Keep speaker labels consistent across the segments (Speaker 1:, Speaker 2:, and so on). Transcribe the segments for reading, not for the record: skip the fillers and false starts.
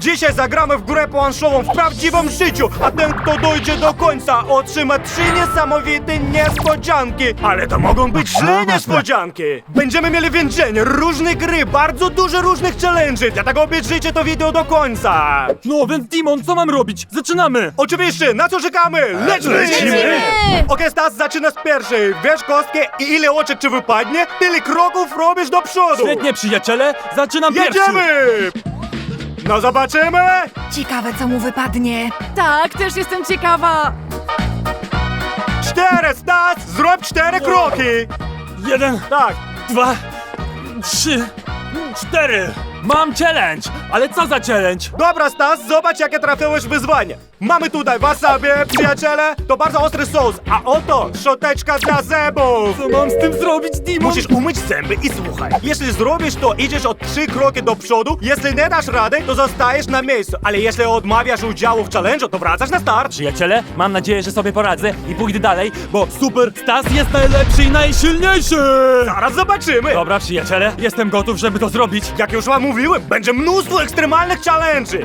Speaker 1: Dzisiaj zagramy w grę planszową w prawdziwym życiu, a ten, kto dojdzie do końca, otrzyma 3 niesamowite niespodzianki. Ale to mogą być źle niespodzianki. Będziemy mieli więzienie, różne gry, bardzo dużo różnych challenge'y, dlatego obejrzyjcie to wideo do końca.
Speaker 2: No więc Dimon, co mam robić? Zaczynamy!
Speaker 1: Oczywiście, na co czekamy? Lecimy! Okej, Stas, zaczynasz pierwszy. Wiesz kostkę i ile oczek ci wypadnie, tyle kroków robisz do przodu.
Speaker 2: Świetnie, przyjaciele! Zaczynam pierwszy!
Speaker 1: Jedziemy! No zobaczymy!
Speaker 3: Ciekawe, co mu wypadnie.
Speaker 4: Tak, też jestem ciekawa.
Speaker 1: 4, Stas! Zrób 4 kroki!
Speaker 2: 1,
Speaker 1: Tak.
Speaker 2: 2, 3, 4! Mam challenge! Ale co za challenge?
Speaker 1: Dobra, Stas, zobacz, jakie trafiłeś wyzwanie. Mamy tutaj wasabi, przyjaciele. To bardzo ostry sos, a oto szczoteczka dla zębów.
Speaker 2: Co mam z tym zrobić, Dimon?
Speaker 1: Musisz umyć zęby i słuchaj. Jeśli zrobisz to, idziesz o 3 kroki do przodu. Jeśli nie dasz rady, to zostajesz na miejscu. Ale jeśli odmawiasz udziału w challenge'u, to wracasz na start.
Speaker 2: Przyjaciele, mam nadzieję, że sobie poradzę i pójdę dalej, bo Super Stas jest najlepszy i najsilniejszy!
Speaker 1: Zaraz zobaczymy.
Speaker 2: Dobra, przyjaciele, jestem gotów, żeby to zrobić.
Speaker 1: Jak już wam mówiłem, będzie mnóstwo ekstremalnych challenge'y.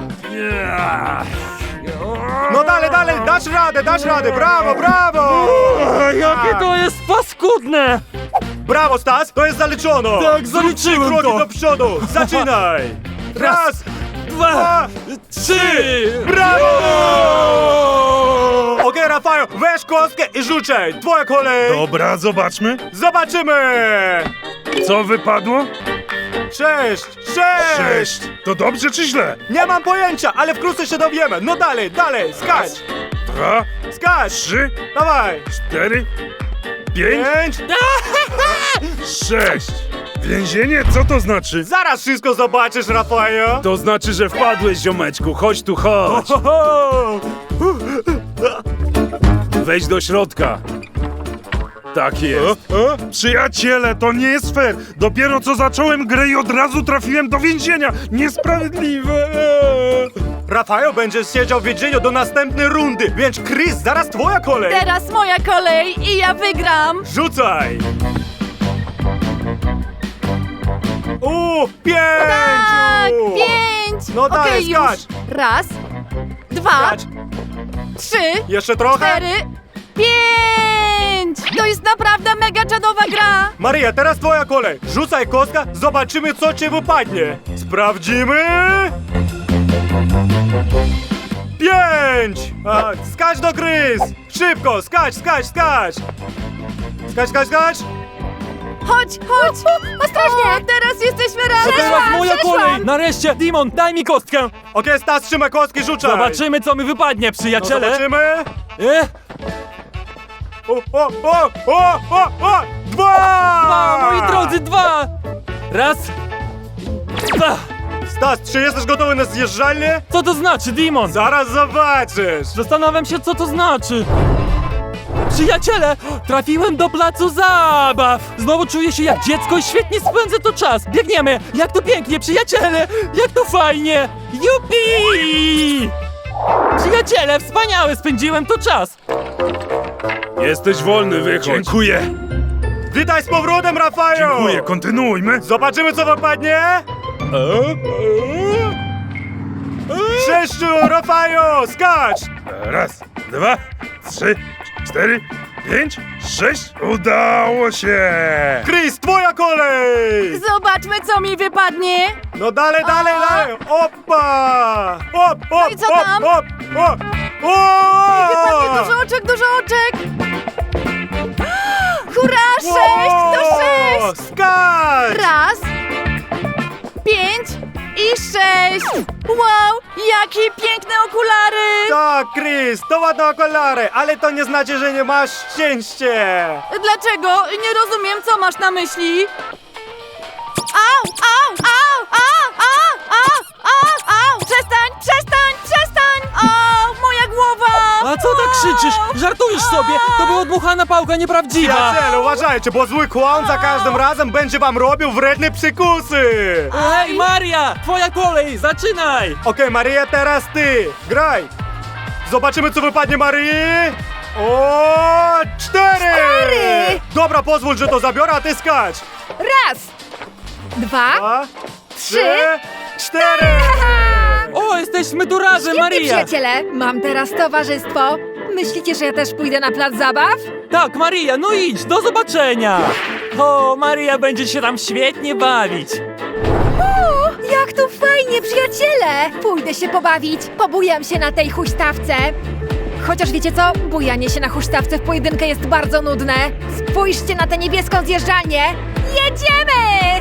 Speaker 1: No dalej, dasz radę, brawo, brawo!
Speaker 2: Jakie to jest paskudne!
Speaker 1: Brawo, Stas, to jest zaliczono!
Speaker 2: Tak,
Speaker 1: Zrób 3
Speaker 2: zaliczyłem
Speaker 1: kroki
Speaker 2: to.
Speaker 1: do przodu! Zaczynaj! Raz,
Speaker 2: 2, 3!
Speaker 1: brawo! Okej, Rafał, weź kostkę i rzucaj! Twoja kolej!
Speaker 5: Dobra, zobaczmy.
Speaker 1: Zobaczymy!
Speaker 5: Co wypadło?
Speaker 1: 6!
Speaker 5: 6. To dobrze czy źle?
Speaker 1: Nie mam pojęcia, ale wkrótce się dowiemy! No dalej, skacz!
Speaker 5: 2,
Speaker 1: Skacz!
Speaker 5: 3,
Speaker 1: Dawaj!
Speaker 5: 4, 5,
Speaker 1: 5!
Speaker 5: 6. Więzienie? Co to znaczy?
Speaker 1: Zaraz wszystko zobaczysz, Rafał!
Speaker 5: To znaczy, że wpadłeś, ziomeczku. Chodź tu, chodź. Wejdź do środka. Tak jest. Przyjaciele, to nie jest fair. Dopiero co zacząłem grę i od razu trafiłem do więzienia. Niesprawiedliwe.
Speaker 1: Rafał będzie siedział w więzieniu do następnej rundy, więc Chris, zaraz twoja kolej!
Speaker 4: Teraz moja kolej i ja wygram.
Speaker 1: Rzucaj! 5!
Speaker 4: Tak, 5.
Speaker 1: No dalej,
Speaker 4: Okej, już.
Speaker 1: skacz.
Speaker 4: Raz, 2,
Speaker 1: Skacz.
Speaker 4: 3,
Speaker 1: Jeszcze trochę?
Speaker 4: 4, 5. To jest naprawdę mega czadowa gra.
Speaker 1: Maria, teraz twoja kolej. Rzucaj kostka, zobaczymy, co ci wypadnie. Sprawdzimy. 5! Skacz do Chris! Szybko, skacz! Skacz!
Speaker 4: Chodź. Ostrożnie. Teraz jesteśmy razem.
Speaker 2: Teraz moja
Speaker 4: Przeszłam.
Speaker 2: kolej! Nareszcie, Dimon, daj mi kostkę!
Speaker 1: Okej, Stas, trzymaj kostki, rzucaj!
Speaker 2: Zobaczymy, co mi wypadnie,
Speaker 1: No,
Speaker 2: przyjaciele!
Speaker 1: zobaczymy.
Speaker 2: O,
Speaker 1: 2!
Speaker 2: moi drodzy, 2! Raz, 2!
Speaker 1: Stas, czy jesteś gotowy na zjeżdżalnię?
Speaker 2: Co to znaczy, Dimon?
Speaker 1: Zaraz zobaczysz!
Speaker 2: Zastanawiam się, co to znaczy. Przyjaciele, trafiłem do placu zabaw! Znowu czuję się jak dziecko i świetnie spędzę tu czas. Biegniemy! Jak to pięknie, przyjaciele! Jak to fajnie! Jupi! Przyjaciele, wspaniale spędziłem tu czas!
Speaker 5: Jesteś wolny, wychodź. Dziękuję.
Speaker 1: Witaj z powrotem, Rafał!
Speaker 5: Dziękuję, kontynuujmy.
Speaker 1: Zobaczymy, co wypadnie! 6, Rafał, skacz!
Speaker 5: Raz, 2, 3, 4, 5, 6. Udało się.
Speaker 1: Chris, twoja kolej!
Speaker 4: Zobaczmy, co mi wypadnie.
Speaker 1: No dalej! Opa!
Speaker 4: No i co tam? Wypadnie dużo oczek. Hurra, 6 to 6.
Speaker 1: Skacz!
Speaker 4: Raz, 5 i 6. Wow, jakie piękne okulary.
Speaker 1: Tak, Chris, to ładne okulary, ale to nie znaczy, że nie masz szczęścia.
Speaker 4: Dlaczego? Nie rozumiem, co masz na myśli. Au! Przestań! O, moja głowa!
Speaker 2: A co tak krzyczysz? Żartujesz sobie? To była dmuchana pałka nieprawdziwa!
Speaker 1: Przyjaciele, uważajcie, bo zły kłon za każdym razem będzie wam robił wredne przykusy.
Speaker 2: Hej, Maria! Twoja kolej! Zaczynaj!
Speaker 1: Okej, Maria, teraz ty. Graj. Zobaczymy, co wypadnie Marii. O, 4! Dobra, pozwól, że to zabiorę, a ty skacz.
Speaker 3: Raz, 2,
Speaker 1: 2, 3, 4!
Speaker 2: O, jestem jesteśmy tu razem,
Speaker 3: Świetnie,
Speaker 2: Maria!
Speaker 3: przyjaciele! Mam teraz towarzystwo. Myślicie, że ja też pójdę na plac zabaw?
Speaker 2: Tak, Maria, no idź, do zobaczenia! O, Maria będzie się tam świetnie bawić.
Speaker 3: O, jak tu fajnie, przyjaciele! Pójdę się pobawić, pobujam się na tej huśtawce. Chociaż wiecie co? Bujanie się na huśtawce w pojedynkę jest bardzo nudne. Spójrzcie na tę niebieską zjeżdżalnię! Jedziemy!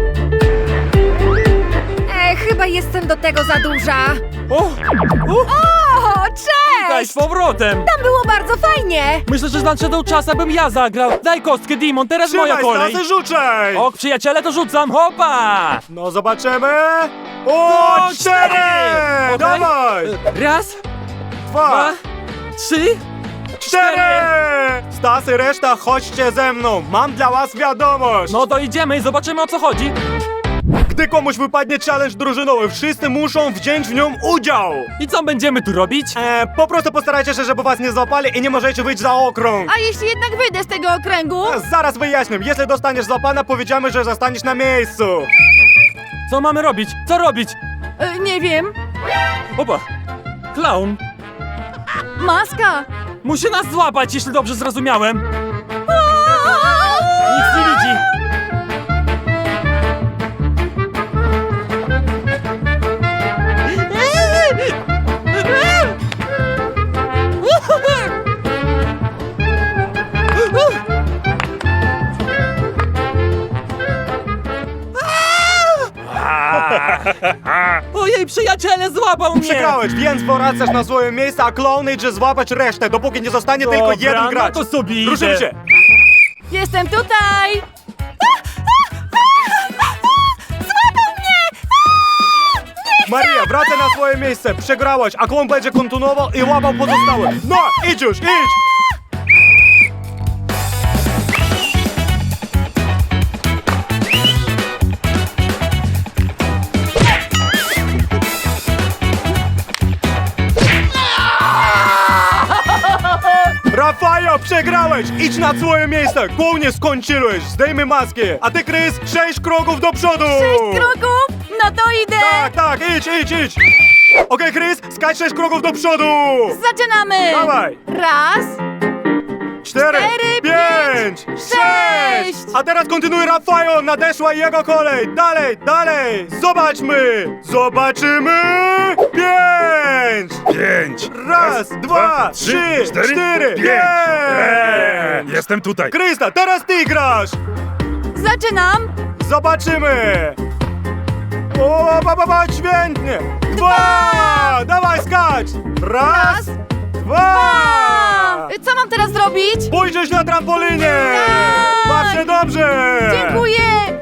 Speaker 3: Chyba jestem do tego za duża.
Speaker 2: O,
Speaker 3: O,
Speaker 2: daj
Speaker 3: cześć!
Speaker 2: z powrotem!
Speaker 3: Tam było bardzo fajnie!
Speaker 2: Myślę, że nadszedł czas, abym ja zagrał. Daj kostkę, Dimon, teraz moja
Speaker 1: Trzymaj,
Speaker 2: kolej.
Speaker 1: Stasy, rzucaj!
Speaker 2: Ok, przyjaciele, to rzucam, hopa!
Speaker 1: No zobaczymy. O,
Speaker 2: O,
Speaker 1: 4!
Speaker 2: Okej.
Speaker 1: Dawaj!
Speaker 2: Raz,
Speaker 1: 2,
Speaker 2: dwa, 3.
Speaker 1: 4! Stasy, reszta, chodźcie ze mną. Mam dla was wiadomość.
Speaker 2: No to idziemy i zobaczymy, o co chodzi.
Speaker 1: Gdy komuś wypadnie challenge drużynowy, wszyscy muszą wziąć w nią udział.
Speaker 2: I co będziemy tu robić?
Speaker 1: Po prostu postarajcie się, żeby was nie złapali i nie możecie wyjść za okrąg.
Speaker 4: A jeśli jednak wyjdę z tego okręgu?
Speaker 1: Zaraz wyjaśnię. Jeśli dostaniesz złapana, powiedziamy, że zostaniesz na miejscu.
Speaker 2: Co mamy robić? Co robić?
Speaker 4: Nie wiem.
Speaker 2: Opa! Klaun!
Speaker 4: Maska!
Speaker 2: Musi nas złapać, jeśli dobrze zrozumiałem. Nic nie widzi. Ojej, przyjaciele, złapał mnie!
Speaker 1: Przegrałeś, więc wracasz na swoje miejsce, a Clown idzie złapać resztę, dopóki nie zostanie tylko
Speaker 2: Dobra,
Speaker 1: jeden gracz.
Speaker 2: no to sobie idę.
Speaker 1: Ruszymy się.
Speaker 4: Jestem tutaj!
Speaker 1: Maria, wracaj na swoje miejsce. Przegrałaś, a Clown będzie kontynuował i łapał pozostałe. No, idź już, idź! Rafajo, przegrałeś! Idź na swoje miejsce! Głównie skończyłeś! Zdejmij maskę! A ty, Chris, 6 kroków do przodu!
Speaker 4: 6 kroków? No to idę!
Speaker 1: Tak, idź! Okej, Chris, skacz 6 kroków do przodu!
Speaker 4: Zaczynamy!
Speaker 1: Dawaj!
Speaker 4: Raz,
Speaker 1: 4, 5, 6! A teraz kontynuuj Rafajo, nadeszła jego kolej! Dalej! Zobaczymy! 5!
Speaker 5: 5!
Speaker 1: Raz, dwa, trzy, 4, 5!
Speaker 5: Jestem tutaj!
Speaker 1: Krista, teraz ty grasz!
Speaker 4: zaczynam!
Speaker 1: Zobaczymy! O, świetnie! 2! Dawaj, skacz! Raz, 2!
Speaker 4: Co mam teraz zrobić?
Speaker 1: Pójdziesz na trampolinie!
Speaker 4: Tak!
Speaker 1: Baw się dobrze!
Speaker 4: Dziękuję!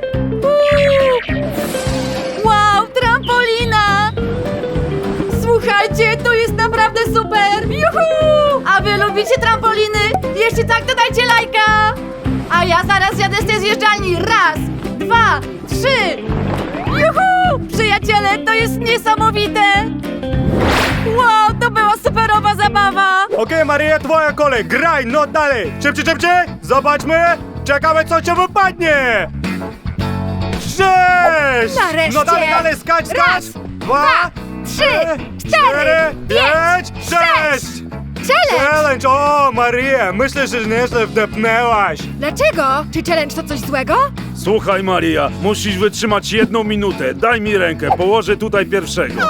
Speaker 4: Wow, trampolina! Słuchajcie, to jest naprawdę super! Juhu! A wy lubicie trampoliny? Jeśli tak, to dajcie lajka! A ja zaraz jadę z tej zjeżdżalni. Raz, dwa, trzy! Juhu! Przyjaciele, to jest niesamowite! Wow, to była superowa zabawa!
Speaker 1: Okej, Maria, twoja kolej, graj, no dalej! Szybciej! Zobaczmy! Czekamy, co cię wypadnie! 6!
Speaker 3: Nareszcie!
Speaker 1: No dalej, skacz!
Speaker 3: Raz,
Speaker 1: 2,
Speaker 3: 3, 4,
Speaker 1: 5, 6!
Speaker 3: Challenge!
Speaker 1: Challenge! O, Maria, myślę, że nieźle wdepnęłaś.
Speaker 3: Dlaczego? Czy challenge to coś złego?
Speaker 5: Słuchaj, Maria, musisz wytrzymać 1 minutę. Daj mi rękę, położę tutaj pierwszego.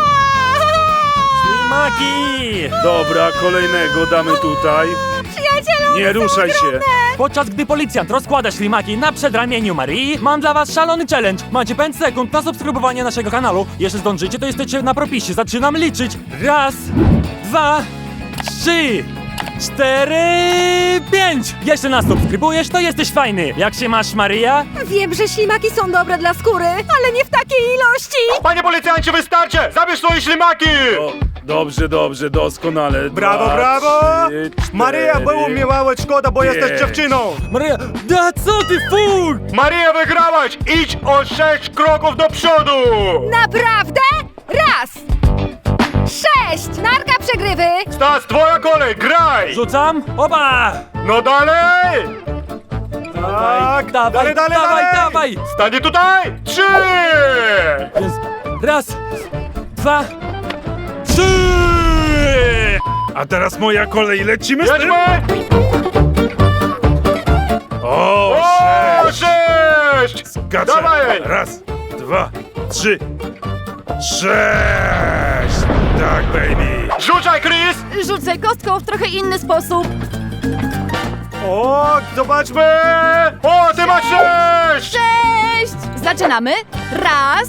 Speaker 2: Ślimaki!
Speaker 5: Dobra, kolejnego damy tutaj.
Speaker 3: Przyjacielu,
Speaker 5: Nie ruszaj się.
Speaker 2: Podczas gdy policjant rozkłada ślimaki na przedramieniu Marii, mam dla was szalony challenge. Macie 5 sekund na subskrybowanie naszego kanału. Jeśli zdążycie, to jesteście na propisie. Zaczynam liczyć. Raz, 2, 3, 4, 5. Jeśli nas subskrybujesz, to jesteś fajny. Jak się masz, Maria?
Speaker 3: wiem, że ślimaki są dobre dla skóry, ale nie w takiej ilości!
Speaker 1: Panie policjancie, wystarczy! Zabierz swoje ślimaki!
Speaker 5: O, dobrze, doskonale.
Speaker 1: Brawo,
Speaker 5: 2,
Speaker 1: brawo!
Speaker 5: 3, 4,
Speaker 1: Maria, było mi mało szkoda, bo jesteś
Speaker 5: 5.
Speaker 1: dziewczyną!
Speaker 2: Maria, da co ty fur?
Speaker 1: Maria, wygrałaś! Idź o 6 kroków do przodu!
Speaker 3: Naprawdę? Raz! 6! Narka przegrywy!
Speaker 1: Stas, twoja kolej, graj!
Speaker 2: Rzucam. Oba!
Speaker 1: No dalej! Tak,
Speaker 2: dawaj, dawaj!
Speaker 1: Stanie tutaj! 3!
Speaker 2: Więc raz, 2,
Speaker 5: A teraz moja kolej, lecimy z tym?
Speaker 1: Jedźmy!
Speaker 5: O,
Speaker 1: O,
Speaker 5: 6!
Speaker 1: 6!
Speaker 5: Skaczę!
Speaker 1: Dawaj!
Speaker 5: Raz, 2, 3, 6! Tak, baby!
Speaker 1: Rzucaj, Chris!
Speaker 4: Rzucę kostką w trochę inny sposób.
Speaker 1: O, zobaczmy! O, ty masz 6!
Speaker 4: 6! Zaczynamy. Raz.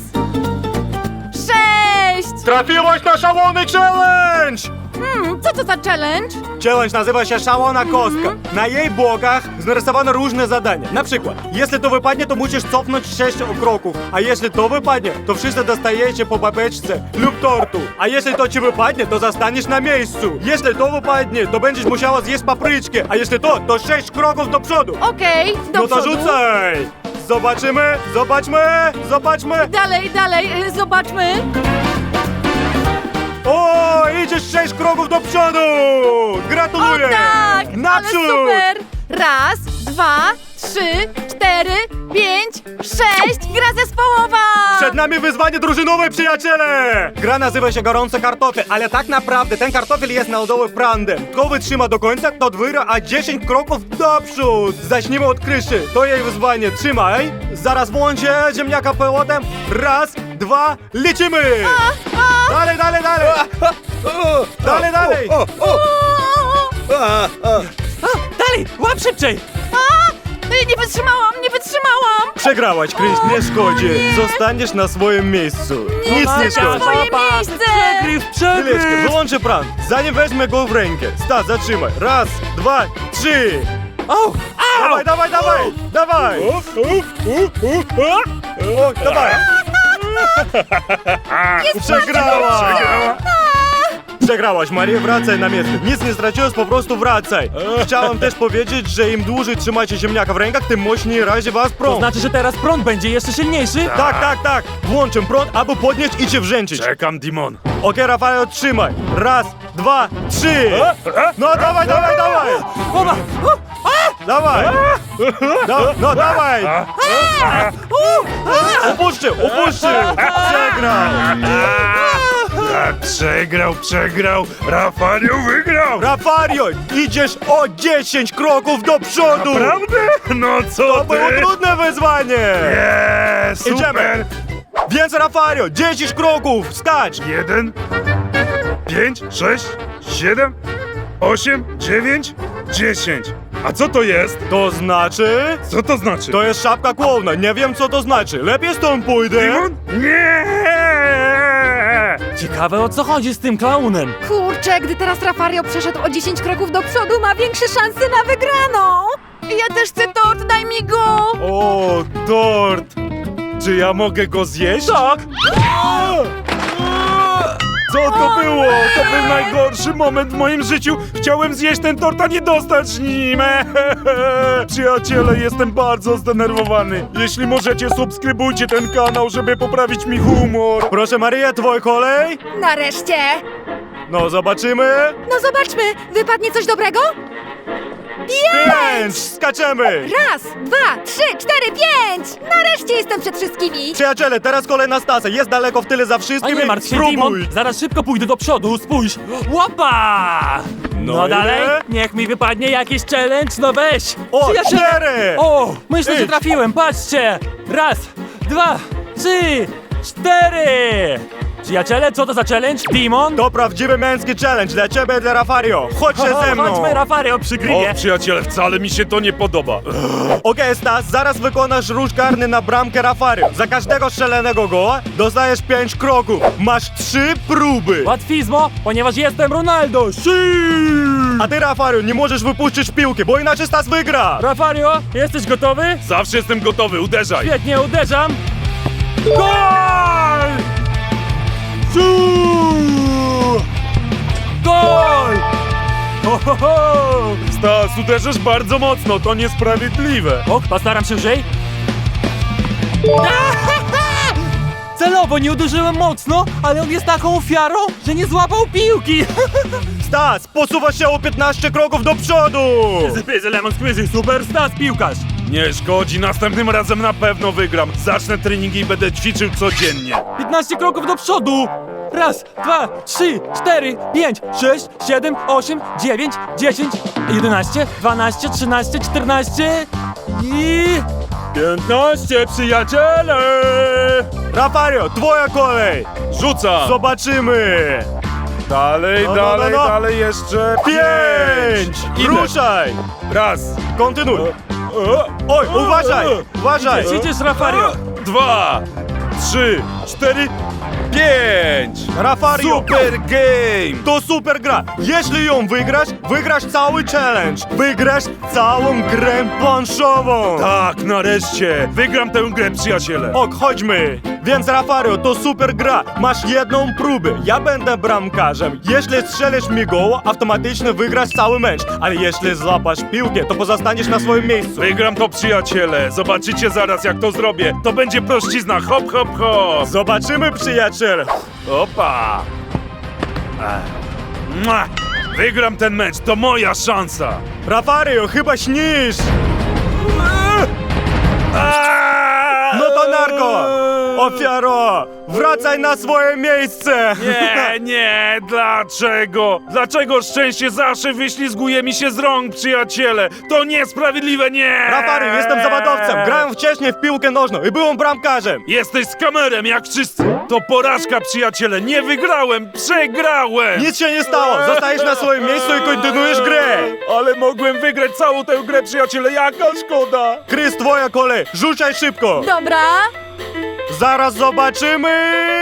Speaker 4: 6!
Speaker 1: Trafiłaś na szalony challenge!
Speaker 4: Co to za challenge?
Speaker 1: Challenge nazywa się Szalona Kostka. Na jej bokach narysowano różne zadania. Na przykład, jeśli to wypadnie, to musisz cofnąć 6 kroków. A jeśli to wypadnie, to wszyscy dostajecie po babeczce lub tortu. A jeśli to ci wypadnie, to zostaniesz na miejscu. Jeśli to wypadnie, to będziesz musiała zjeść papryczkę. A jeśli to 6 kroków do przodu.
Speaker 4: Okej, do
Speaker 1: No to
Speaker 4: przodu.
Speaker 1: rzucaj! Zobaczymy, zobaczmy!
Speaker 4: Dalej, zobaczmy.
Speaker 1: O, idziesz 6 kroków do przodu! Gratuluję!
Speaker 4: O tak! Ale
Speaker 1: Naprzód!
Speaker 4: super! Raz, 2, 3, 4, 5, 6. Gra zespołowa!
Speaker 1: Przed nami wyzwanie drużynowe, przyjaciele! Gra nazywa się Gorący Kartofel, ale tak naprawdę ten kartofel jest narodowy prandem. Kto wytrzyma do końca, to wygra, a 10 kroków do przód. Zacznijmy od kryszy. To jej wyzwanie. Trzymaj. Zaraz włączę ziemniaka pełotem. Raz, 2, lecimy! Dalej! Dalej!
Speaker 2: Dalej, łap szybciej!
Speaker 4: Nie wytrzymałam!
Speaker 1: Przegrałaś, Chris, nie szkodzi. Zostaniesz na swoim miejscu. Nic nie szkodzi.
Speaker 4: Moje miejsce!
Speaker 1: Chwileczkę, wyłączę pran. Zanim weźmę go w rękę. Stas, zatrzymaj. Raz, 2, 3.
Speaker 2: O! Au!
Speaker 1: Dawaj! Dawaj! Dawaj! Przegrałaś! Przegrałaś, Maria, wracaj na miejsce. Nic nie straciłeś, po prostu wracaj. Chciałem też powiedzieć, że im dłużej trzymacie ziemniaka w rękach, tym mocniej razi was
Speaker 2: To
Speaker 1: prąd.
Speaker 2: znaczy, że teraz prąd będzie jeszcze silniejszy?
Speaker 1: Tak. Włączę prąd, aby podnieść i cię wrzęczyć.
Speaker 5: Czekam, Dimon.
Speaker 1: Okej, Rafael, trzymaj. Raz, 2, 3. No dawaj!
Speaker 2: Oba!
Speaker 1: Dawaj! No dawaj! Upuszczył!
Speaker 5: Przegrał. Rafario wygrał.
Speaker 1: Rafario, idziesz o 10 kroków do przodu!
Speaker 5: Prawda? No co
Speaker 1: To było
Speaker 5: ty?
Speaker 1: trudne wyzwanie!
Speaker 5: Super.
Speaker 1: Idziemy. Więc Rafario, 10 kroków, stać!
Speaker 5: 1, 5, 6, 7, 8, 9, 10. A co to jest?
Speaker 1: To znaczy...
Speaker 5: Co to znaczy?
Speaker 1: To jest szapka klauna, nie wiem co to znaczy. Lepiej stąd pójdę.
Speaker 5: Dimon? Nie!
Speaker 2: Ciekawe, o co chodzi z tym klaunem.
Speaker 3: Kurczę, gdy teraz Rafario przeszedł o 10 kroków do przodu, ma większe szanse na wygraną!
Speaker 4: Ja też chcę tort, daj mi go!
Speaker 1: O, tort! Czy ja mogę go zjeść?
Speaker 2: Tak!
Speaker 5: Co to było? To był najgorszy moment w moim życiu. Chciałem zjeść ten tort, a nie dostać nim. Przyjaciele, jestem bardzo zdenerwowany. Jeśli możecie, subskrybujcie ten kanał, żeby poprawić mi humor.
Speaker 1: Proszę Maria, twój kolej?
Speaker 3: Nareszcie!
Speaker 1: No, zobaczymy.
Speaker 3: No zobaczmy, wypadnie coś dobrego?
Speaker 1: 5! Skaczemy!
Speaker 3: Raz, 2, 3, 4, 5! Nareszcie jestem przed wszystkimi!
Speaker 1: Przyjaciele, teraz kolej na Stasa. Jest daleko w tyle za
Speaker 2: A
Speaker 1: wszystkim.
Speaker 2: nie martw się, Dimon!
Speaker 1: Spróbuj!
Speaker 2: Zaraz szybko pójdę do przodu, spójrz! Łapa! No
Speaker 1: i
Speaker 2: dalej,
Speaker 1: ile?
Speaker 2: niech mi wypadnie jakiś challenge, no weź!
Speaker 1: O,
Speaker 2: Przyjaciele!
Speaker 1: 4!
Speaker 2: O, myślę, że
Speaker 1: Idź.
Speaker 2: trafiłem, patrzcie! Raz, 2, 3, 4! Przyjaciele, co to za challenge? Dimon?
Speaker 1: To prawdziwy męski challenge dla ciebie i dla Rafario. Chodźcie ze mną.
Speaker 2: Chodźmy, Rafario, przygrywie!
Speaker 5: O, przyjaciele, wcale mi się to nie podoba.
Speaker 1: Okej, Stas, zaraz wykonasz ruch karny na bramkę Rafario. Za każdego strzelonego goła dostajesz 5 kroków. Masz 3 próby.
Speaker 2: Łatwizmo, ponieważ jestem Ronaldo!
Speaker 1: A ty, Rafario, nie możesz wypuścić piłki, bo inaczej Stas wygra.
Speaker 2: Rafario, jesteś gotowy?
Speaker 5: Zawsze jestem gotowy, uderzaj.
Speaker 2: Świetnie, uderzam! Gol! Gol! Ho, ho, ho!
Speaker 5: Stas, uderzysz bardzo mocno, to niesprawiedliwe.
Speaker 2: Och, postaram się lżej. Celowo nie uderzyłem mocno, ale on jest taką ofiarą, że nie złapał piłki.
Speaker 1: Stas, posuwasz się o 15 kroków do przodu.
Speaker 2: Zypyzy, lemon squeezy, super stas piłkarz.
Speaker 5: Nie szkodzi, następnym razem na pewno wygram. Zacznę treningi i będę ćwiczył codziennie.
Speaker 2: 15 kroków do przodu. Raz, dwa, 3, 4, 5, 6, 7, 8, 9, 10, 11, 12, 13, 14 i 15, przyjaciele!
Speaker 1: Rafario, twoja kolej!
Speaker 5: Rzucam!
Speaker 1: Zobaczymy!
Speaker 5: Dalej,
Speaker 1: No,
Speaker 5: dalej,
Speaker 1: no, no.
Speaker 5: dalej, jeszcze
Speaker 1: 5!
Speaker 5: Idę.
Speaker 1: Ruszaj!
Speaker 5: Raz.
Speaker 1: Kontynuuj! Oj, uważaj! Uważaj!
Speaker 2: Idziesz, Rafario!
Speaker 5: 2, 3, 4, 5!
Speaker 1: Rafario!
Speaker 5: Super game!
Speaker 1: To super gra! Jeśli ją wygrasz, wygrasz cały challenge! Wygrasz całą grę planszową!
Speaker 5: Tak, nareszcie! Wygram tę grę, przyjaciele!
Speaker 1: Ok, chodźmy! Więc Rafario, to super gra! Masz jedną próbę, ja będę bramkarzem. Jeśli strzelisz mi goła, automatycznie wygrasz cały mecz. Ale jeśli złapasz piłkę, to pozostaniesz na swoim miejscu.
Speaker 5: Wygram to, przyjaciele! Zobaczycie zaraz, jak to zrobię! To będzie prościzna! Hop, hop, hop!
Speaker 1: Zobaczymy, przyjaciel!
Speaker 5: Opa! Mua! Wygram ten mecz, to moja szansa!
Speaker 1: Rafario, chyba śnisz! No to narko! Ofiaro! Wracaj na swoje miejsce!
Speaker 5: Nie, nie, dlaczego? Dlaczego szczęście zawsze wyślizguje mi się z rąk, przyjaciele? To niesprawiedliwe, nie!
Speaker 1: Rafario, jestem zawodowcem! Grałem wcześniej w piłkę nożną i byłem bramkarzem!
Speaker 5: Jesteś skamerem, jak wszyscy! To porażka, przyjaciele! Nie wygrałem! Przegrałem!
Speaker 1: Nic się nie stało! Zostajesz na swoim miejscu i kontynuujesz grę!
Speaker 5: Ale mogłem wygrać całą tę grę, przyjaciele! Jaka szkoda!
Speaker 1: Chris, twoja kolej! Rzucaj szybko!
Speaker 4: Dobra.
Speaker 1: Zaraz zobaczymy!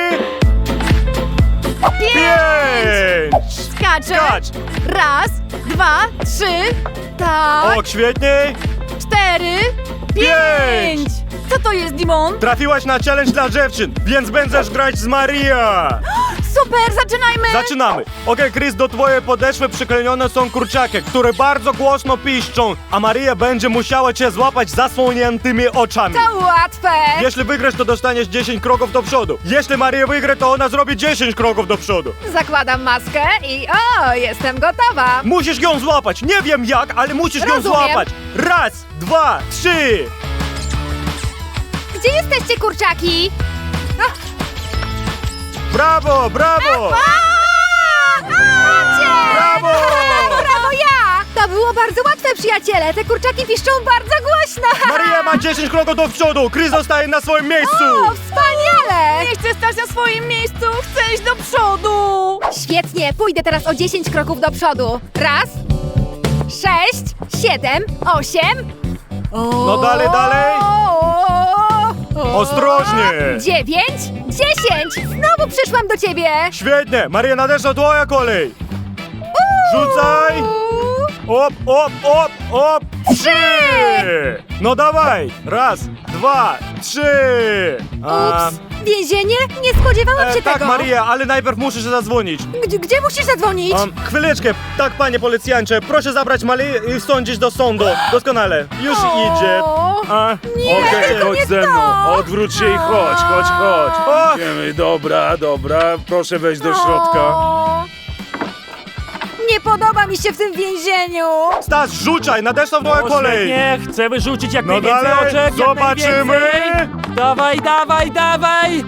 Speaker 1: 5!
Speaker 4: Skaczę.
Speaker 1: Skacz!
Speaker 4: Raz, dwa, 3. Tak.
Speaker 1: Ok, świetnie!
Speaker 4: 4, 5. Co to jest, Dimon?
Speaker 1: Trafiłaś na challenge dla dziewczyn, więc będziesz grać z Maria!
Speaker 4: Super, zaczynajmy.
Speaker 1: Zaczynamy! Okej, Chris, do twojej podeszwy przyklejone są kurczaki, które bardzo głośno piszczą, a Maria będzie musiała cię złapać zasłoniętymi oczami.
Speaker 3: To łatwe!
Speaker 1: Jeśli wygrasz, to dostaniesz 10 kroków do przodu. Jeśli Maria wygra, to ona zrobi 10 kroków do przodu.
Speaker 3: Zakładam maskę i jestem gotowa!
Speaker 1: Musisz ją złapać. Nie wiem jak, ale musisz ją
Speaker 3: Rozumiem.
Speaker 1: złapać. Raz, dwa, 3.
Speaker 3: Gdzie jesteście, kurczaki?
Speaker 1: Brawo, brawo!
Speaker 3: Macie!
Speaker 1: Brawo!
Speaker 3: Brawo ja! To było bardzo łatwe, przyjaciele! Te kurczaki piszczą bardzo głośno!
Speaker 1: Maria ma 10 kroków do przodu. Chris zostaje na swoim miejscu.
Speaker 3: O, wspaniale!
Speaker 4: Nie chcę stać na swoim miejscu, chcę iść do przodu.
Speaker 3: Świetnie, pójdę teraz o 10 kroków do przodu. Raz, 6, 7, 8.
Speaker 1: No dalej, dalej. Ostrożnie.
Speaker 3: 9, 10. Znowu przyszłam do ciebie.
Speaker 1: Świetnie. Maria, nadeszła twoja kolej. Rzucaj. Op, op, op, op. 3. No dawaj. Raz, dwa, 3.
Speaker 3: Ups, więzienie? Nie spodziewałam się
Speaker 1: Tak,
Speaker 3: tego.
Speaker 1: Maria, ale najpierw muszę się zadzwonić.
Speaker 3: Gdzie musisz zadzwonić?
Speaker 1: Chwileczkę. Tak, panie policjancie, proszę zabrać Marię i sądzić do sądu. Doskonale. Już idzie.
Speaker 3: Nie,
Speaker 5: Okej,
Speaker 3: tylko
Speaker 5: chodź
Speaker 3: nie
Speaker 5: ze mną.
Speaker 3: to.
Speaker 5: Odwróć się i chodź, chodź, chodź.
Speaker 1: O.
Speaker 5: Idziemy, dobra, dobra. Proszę wejść do środka.
Speaker 3: O, nie podoba mi się w tym więzieniu.
Speaker 1: Stas, rzucaj, nadeszła twoja kolej.
Speaker 2: Nie, chcę wyrzucić jak
Speaker 1: No
Speaker 2: najwięcej
Speaker 1: dalej,
Speaker 2: oczek, jak
Speaker 1: zobaczymy.
Speaker 2: najwięcej. Dawaj, dawaj, dawaj!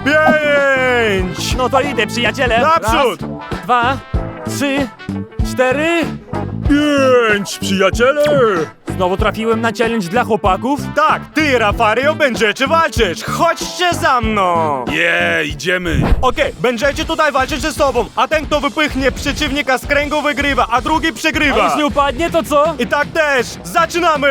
Speaker 1: 5.
Speaker 2: No to idę, przyjaciele.
Speaker 1: Naprzód.
Speaker 2: Raz, 2, 3, 4.
Speaker 5: 5, przyjaciele!
Speaker 2: Znowu trafiłem na challenge dla chłopaków.
Speaker 1: Tak, ty, Rafario, będziecie walczyć. Chodźcie za mną.
Speaker 5: Idziemy.
Speaker 1: Okej, będziecie tutaj walczyć ze sobą, a ten, kto wypychnie przeciwnika z kręgu, wygrywa, a drugi
Speaker 2: A
Speaker 1: przegrywa.
Speaker 2: jeśli upadnie, to co?
Speaker 1: I tak też. Zaczynamy.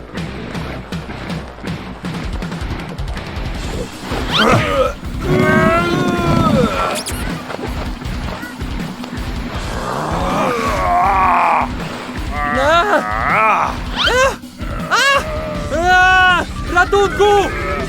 Speaker 2: Ratunku!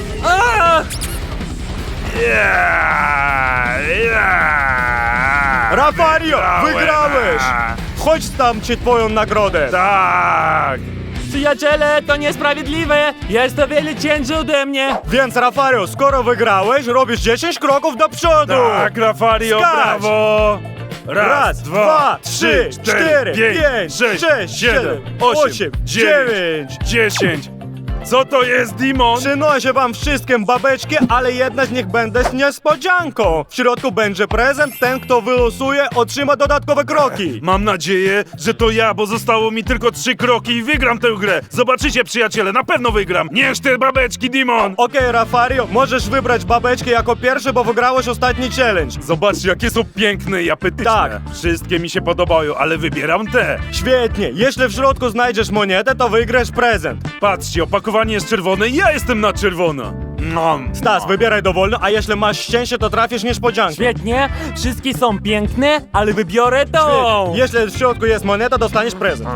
Speaker 1: Rafario,
Speaker 5: Wygrałem.
Speaker 1: wygrałeś. Chodź tam ci twoją nagrodę.
Speaker 5: Tak!
Speaker 2: Przyjaciele, to niesprawiedliwe! Jest o wiele ciężej ode mnie!
Speaker 1: Więc Rafario, skoro wygrałeś, robisz 10 kroków do przodu.
Speaker 5: Tak, Rafario,
Speaker 1: Skacz.
Speaker 5: brawo!
Speaker 1: Raz, dwa, 3, 4, 5, 6, 7, 8, 9.
Speaker 5: 10. Co to jest, Dimon?
Speaker 1: Przynoszę wam wszystkim babeczki, ale jedna z nich będzie z niespodzianką. W środku będzie prezent, ten kto wylosuje otrzyma dodatkowe kroki.
Speaker 5: Mam nadzieję, że to ja, bo zostało mi tylko 3 kroki i wygram tę grę. Zobaczycie, przyjaciele, na pewno wygram. Niech te babeczki, Dimon.
Speaker 1: Okej, Rafario, możesz wybrać babeczki jako pierwszy, bo wygrałeś ostatni challenge.
Speaker 5: Zobaczcie, jakie są piękne i apetyczne.
Speaker 1: Tak.
Speaker 5: Wszystkie mi się podobają, ale wybieram te.
Speaker 1: Świetnie, jeśli w środku znajdziesz monetę, to wygrasz prezent.
Speaker 5: Patrzcie, opakowanie jest czerwone i ja jestem na czerwono.
Speaker 1: Stas, wybieraj dowolny, a jeśli masz szczęście, to trafisz niespodziankę.
Speaker 2: Świetnie, wszystkie są piękne, ale wybiorę tą.
Speaker 1: Świetnie. Jeśli w środku jest moneta, dostaniesz prezent.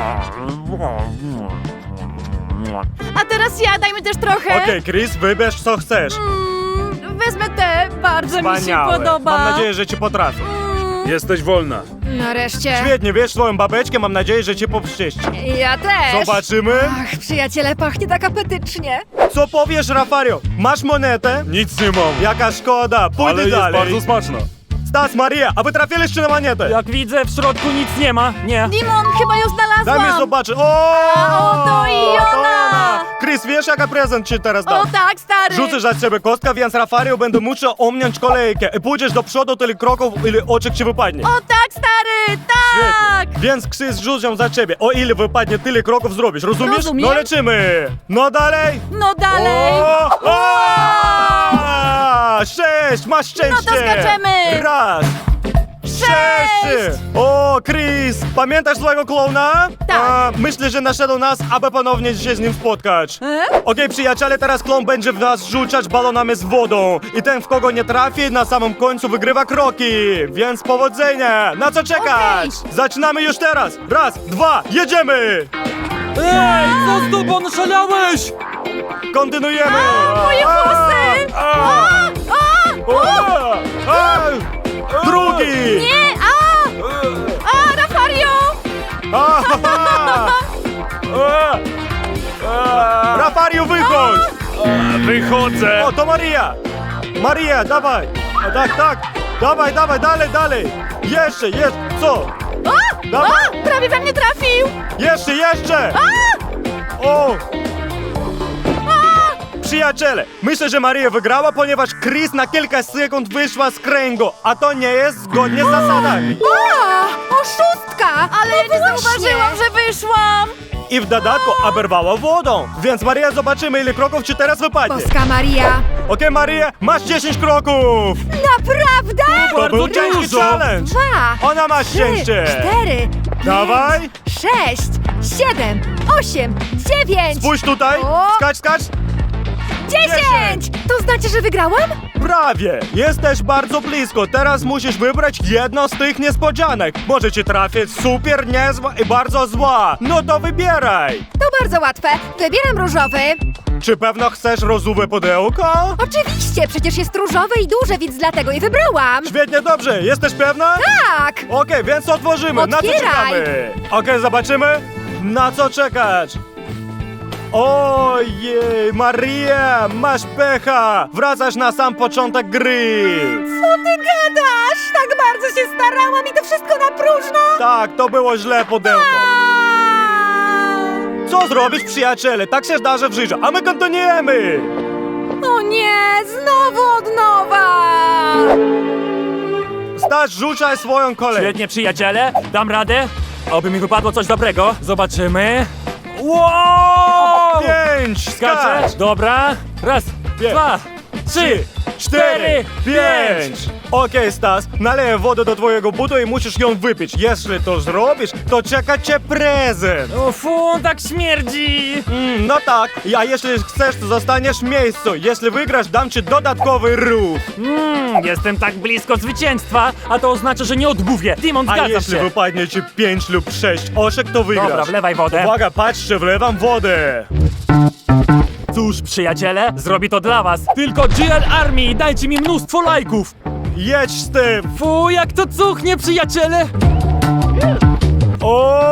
Speaker 4: A teraz ja, dajmy też trochę.
Speaker 1: Okej, Chris, wybierz co chcesz.
Speaker 4: Wezmę te, bardzo mi się
Speaker 1: Wspaniałe.
Speaker 4: podoba.
Speaker 1: Mam nadzieję, że ci potrafię.
Speaker 5: Jesteś wolna.
Speaker 3: Nareszcie.
Speaker 1: Świetnie, wiesz swoją babeczkę, mam nadzieję, że ci popszczyści.
Speaker 3: Ja też.
Speaker 1: Zobaczymy.
Speaker 3: Ach, przyjaciele, pachnie tak apetycznie.
Speaker 1: Co powiesz, Rafario? Masz monetę?
Speaker 5: Nic nie mam.
Speaker 1: Jaka szkoda, pójdę
Speaker 5: Ale jest
Speaker 1: dalej.
Speaker 5: bardzo smaczna.
Speaker 1: Stas, Maria, a wy trafiliście na monetę?
Speaker 2: Jak widzę, w środku nic nie ma. Nie.
Speaker 4: Dimon, chyba ją
Speaker 1: Daj
Speaker 4: znalazłam.
Speaker 1: mi zobaczyć. O!
Speaker 4: A, to i ona!
Speaker 1: Chris, wiesz jaka prezent ci teraz
Speaker 4: O
Speaker 1: dam?
Speaker 4: tak, stary.
Speaker 1: Rzucę za ciebie kostkę, więc Rafario będę musiał ominąć kolejkę. I pójdziesz do przodu tyle kroków, ile oczek ci wypadnie.
Speaker 4: O tak, stary, tak.
Speaker 1: Świetnie. Więc Chris rzucę za ciebie. O ile wypadnie, tyle kroków zrobisz. Rozumiesz?
Speaker 4: Rozumiem.
Speaker 1: No lecimy. No dalej.
Speaker 4: No dalej.
Speaker 1: O! 6, masz szczęście.
Speaker 4: No to skaczemy.
Speaker 1: Raz. 6! O, Chris, pamiętasz złego klauna?
Speaker 4: Tak.
Speaker 1: Myślę, że naszedł nas, aby ponownie się z nim spotkać. Okej, przyjaciele, teraz klon będzie w nas rzucać balonami z wodą. I ten, w kogo nie trafi, na samym końcu wygrywa kroki. Więc powodzenia! Na co czekać? Zaczynamy już teraz! Raz, dwa, jedziemy!
Speaker 2: Ej, co z tobą, szalałeś?
Speaker 1: Kontynuujemy!
Speaker 4: Moje włosy.
Speaker 1: Drugi!
Speaker 4: Nie, Rafario.
Speaker 1: Rafario, wychodź!
Speaker 5: Wychodzę.
Speaker 1: O, to Maria! Maria, dawaj! O, tak, tak! Dawaj, dawaj, dalej, dalej! Jeszcze, co? Dawaj!
Speaker 4: Prawie we mnie trafił.
Speaker 1: Jeszcze! O! Przyjaciele, myślę, że Maria wygrała, ponieważ Chris na kilka sekund wyszła z kręgu, a to nie jest zgodnie z zasadami.
Speaker 3: Oszustka!
Speaker 4: Ale ja nie zauważyłam, że wyszłam.
Speaker 1: I w dodatku oberwała wodą. Więc Maria, zobaczymy, ile kroków ci teraz wypadnie.
Speaker 3: Boska Maria.
Speaker 1: Okej, Maria, masz 10 kroków!
Speaker 3: Naprawdę?
Speaker 1: To
Speaker 2: Bardzo
Speaker 1: był ciężki
Speaker 2: dużo.
Speaker 1: challenge!
Speaker 3: 2,
Speaker 1: Ona ma
Speaker 3: 3,
Speaker 1: szczęście!
Speaker 3: 4,
Speaker 1: Dawaj!
Speaker 3: 6, 7, 8, 9,
Speaker 1: Spójrz tutaj!
Speaker 3: O!
Speaker 1: Skacz!
Speaker 3: 10! To znaczy, że wygrałam?
Speaker 1: Prawie! Jesteś bardzo blisko. Teraz musisz wybrać jedną z tych niespodzianek. Może ci trafić super niezła i bardzo zła. No to wybieraj!
Speaker 3: To bardzo łatwe. Wybieram różowy.
Speaker 1: Czy pewno chcesz różowe pudełko?
Speaker 3: Oczywiście, przecież jest różowe i duże, więc dlatego je wybrałam.
Speaker 1: Świetnie, dobrze. Jesteś pewna?
Speaker 3: Tak!
Speaker 1: Okej, więc otworzymy. Na co
Speaker 3: Otwieraj.
Speaker 1: czekamy? Okej, zobaczymy. Na co czekać? Ojej, Maria, masz pecha! Wracasz na sam początek gry!
Speaker 3: Co ty gadasz? Tak bardzo się starałam i to wszystko na próżno?
Speaker 1: Tak, to było źle pudełko. Co zrobić, przyjaciele? Tak się zdarza w życiu, a my kontynuujemy!
Speaker 3: O nie, znowu od nowa!
Speaker 1: Staś, rzucaj swoją kolej.
Speaker 2: Świetnie, przyjaciele, dam radę. Oby mi wypadło coś dobrego. Zobaczymy. Wow!
Speaker 1: 5,
Speaker 2: Skaczę.
Speaker 1: skacz!
Speaker 2: Dobra. Raz, dwa, 3, 4, 5.
Speaker 1: Okej, Stas, naleję wodę do twojego butu i musisz ją wypić. Jeśli to zrobisz, to czeka cię prezent.
Speaker 2: O, fu, tak śmierdzi.
Speaker 1: No tak, a jeśli chcesz, to zostaniesz w miejscu. Jeśli wygrasz, dam ci dodatkowy ruch.
Speaker 2: Jestem tak blisko zwycięstwa, a to oznacza, że nie odmówię. Dimon,
Speaker 1: A
Speaker 2: zgadza
Speaker 1: jeśli
Speaker 2: się.
Speaker 1: wypadnie ci 5 lub 6 oszek, to wygrasz.
Speaker 2: Dobra, wlewaj wodę.
Speaker 1: Uwaga, patrzcie, wlewam wodę.
Speaker 2: Cóż, przyjaciele, zrobi to dla was. Tylko GL Army, dajcie mi mnóstwo lajków.
Speaker 1: Jedź z tym.
Speaker 2: Fu, jak to cuchnie, przyjaciele.
Speaker 1: O!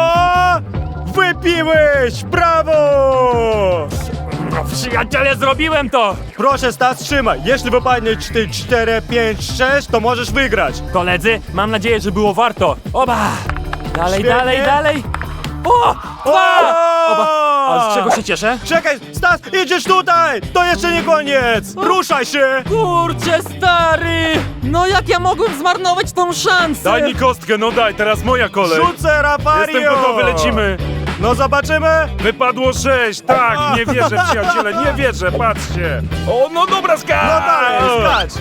Speaker 1: Wypiłeś! Brawo!
Speaker 2: No, przyjaciele, zrobiłem to.
Speaker 1: Proszę, Stas, trzymaj. Jeśli wypadnie ci 4, 5, 6, to możesz wygrać.
Speaker 2: Koledzy, mam nadzieję, że było warto. Oba! Dalej,
Speaker 1: Świetnie.
Speaker 2: dalej. O! A z czego się cieszę?
Speaker 1: Czekaj, Stas, idziesz tutaj! To jeszcze nie koniec! Ruszaj się!
Speaker 2: Kurczę, stary! No jak ja mogłem zmarnować tą szansę?
Speaker 5: Daj mi kostkę, no daj, teraz moja kolej.
Speaker 1: Rzucę, Rafario!
Speaker 5: Jestem gotowy, lecimy.
Speaker 1: No zobaczymy!
Speaker 5: Wypadło 6, tak, nie wierzę, przyjaciele, nie wierzę, patrzcie. O, no dobra, skacz!
Speaker 1: No dalej, skacz!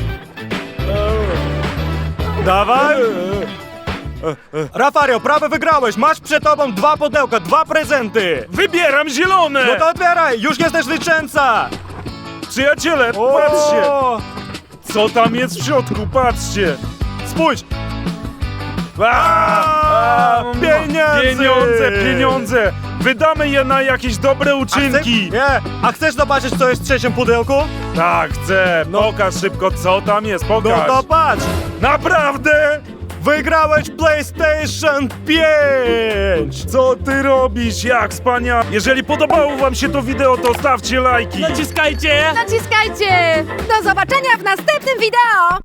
Speaker 1: Dawaj! Rafario, prawie wygrałeś! Masz przed tobą 2 pudełka, 2 prezenty!
Speaker 5: Wybieram zielone!
Speaker 1: No to otwieraj! Już jesteś zwycięzca!
Speaker 5: Przyjaciele, patrzcie! Co tam jest w środku, patrzcie!
Speaker 1: Spójrz!
Speaker 5: Pieniądze! Wydamy je na jakieś dobre uczynki!
Speaker 1: Nie! A chcesz zobaczyć, co jest w trzecim pudełku?
Speaker 5: Tak, chcę! Pokaż szybko, co tam jest,
Speaker 1: No
Speaker 5: pokaż!
Speaker 1: to patrz!
Speaker 5: Naprawdę?
Speaker 1: Wygrałeś PlayStation 5!
Speaker 5: Co ty robisz? Jak wspaniale! Jeżeli podobało wam się to wideo, to stawcie lajki!
Speaker 2: Naciskajcie!
Speaker 4: Naciskajcie!
Speaker 3: Do zobaczenia w następnym wideo!